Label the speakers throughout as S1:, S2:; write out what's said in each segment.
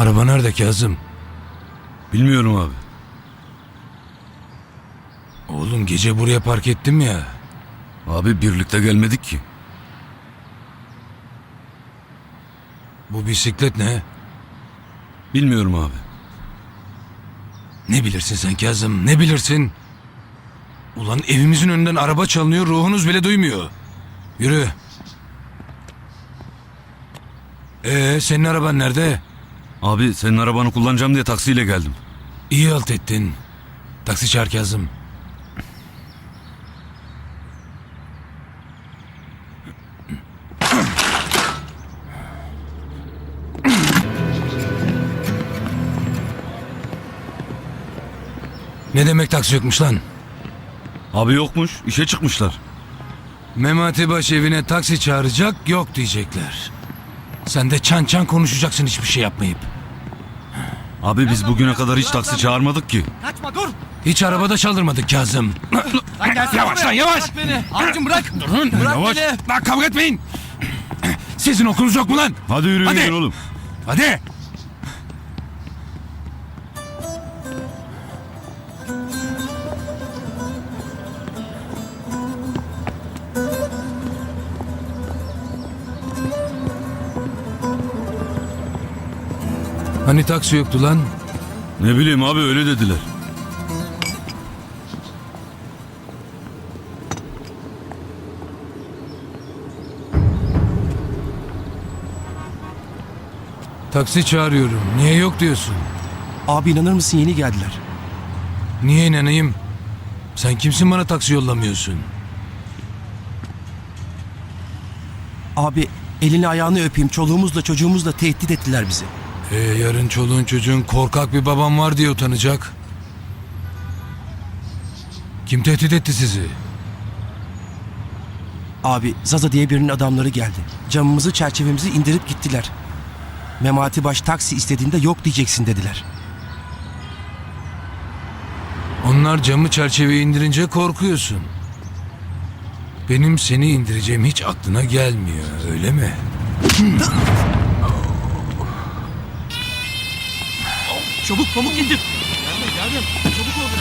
S1: Araba nerede Kazım?
S2: Bilmiyorum abi.
S1: Oğlum gece buraya park ettim ya.
S2: Abi birlikte gelmedik ki.
S1: Bu bisiklet ne?
S2: Bilmiyorum abi.
S1: Ne bilirsin sen Kazım, ne bilirsin? Ulan evimizin önünden araba çalınıyor, ruhunuz bile duymuyor. Yürü. Senin araban nerede?
S2: Abi senin arabanı kullanacağım diye taksiyle geldim.
S1: İyi halt ettin. Taksi çağır Kazım. Ne demek taksi yokmuş lan?
S2: Abi yokmuş, işe çıkmışlar.
S1: Memati Baş evine taksi çağıracak, yok diyecekler. Sen de çan çan konuşacaksın hiçbir şey yapmayıp.
S2: Abi biz bugüne kadar hiç taksi çağırmadık ki.
S3: Kaçma dur.
S1: Hiç arabada çaldırmadık Kazım.
S3: Lan gelsene
S1: Yavaş
S3: buraya.
S1: lan, yavaş.
S3: Bırak beni. Abicim bırak.
S1: Durun,
S3: Bırak
S1: yavaş.
S3: beni.
S1: Lan kavga etmeyin. Sizin okulunuz yok mu lan?
S2: Hadi yürüyün
S1: Hadi.
S2: gidin oğlum.
S1: Hadi. Hani taksi yoktu lan?
S2: Ne bileyim abi öyle dediler.
S1: Taksi çağırıyorum. Niye yok diyorsun?
S3: Abi inanır mısın yeni geldiler.
S1: Niye inanayım? Sen kimsin bana taksi yollamıyorsun?
S3: Abi elini ayağını öpeyim çoluğumuzla çocuğumuzla tehdit ettiler bizi.
S1: Yarın çoluğun çocuğun korkak bir babam var diye utanacak. Kim tehdit etti sizi?
S3: Abi Zaza diye birinin adamları geldi. Camımızı çerçevemizi indirip gittiler. Memati Baş taksi istediğinde yok diyeceksin dediler.
S1: Onlar camı çerçeveyi indirince korkuyorsun. Benim seni indireceğim hiç aklına gelmiyor, öyle mi?
S3: Çabuk pamuk indir. Geldim. Çabuk ol.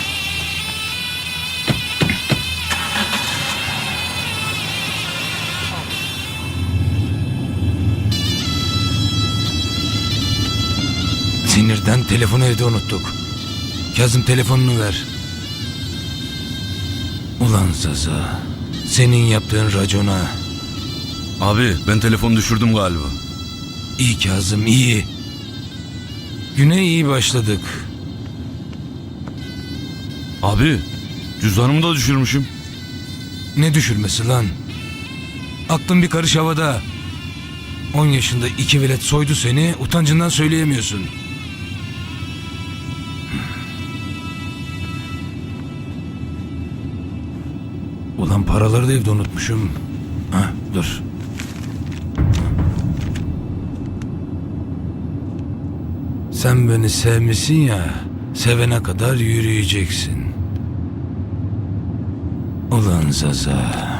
S1: Sinirden telefonu evde unuttuk. Kazım telefonunu ver. Ulan Zaza, senin yaptığın racona.
S2: Abi ben telefonu düşürdüm galiba.
S1: İyi Kazım, iyi. Güne iyi başladık.
S2: Abi cüzdanımı da düşürmüşüm.
S1: Ne düşürmesi lan? Aklın bir karış havada. 10 yaşında 2 velet soydu seni, utancından söyleyemiyorsun. Ulan paraları da evde unutmuşum. Dur. Sen beni sevmişsin ya, sevene kadar yürüyeceksin. Ulan Zaza.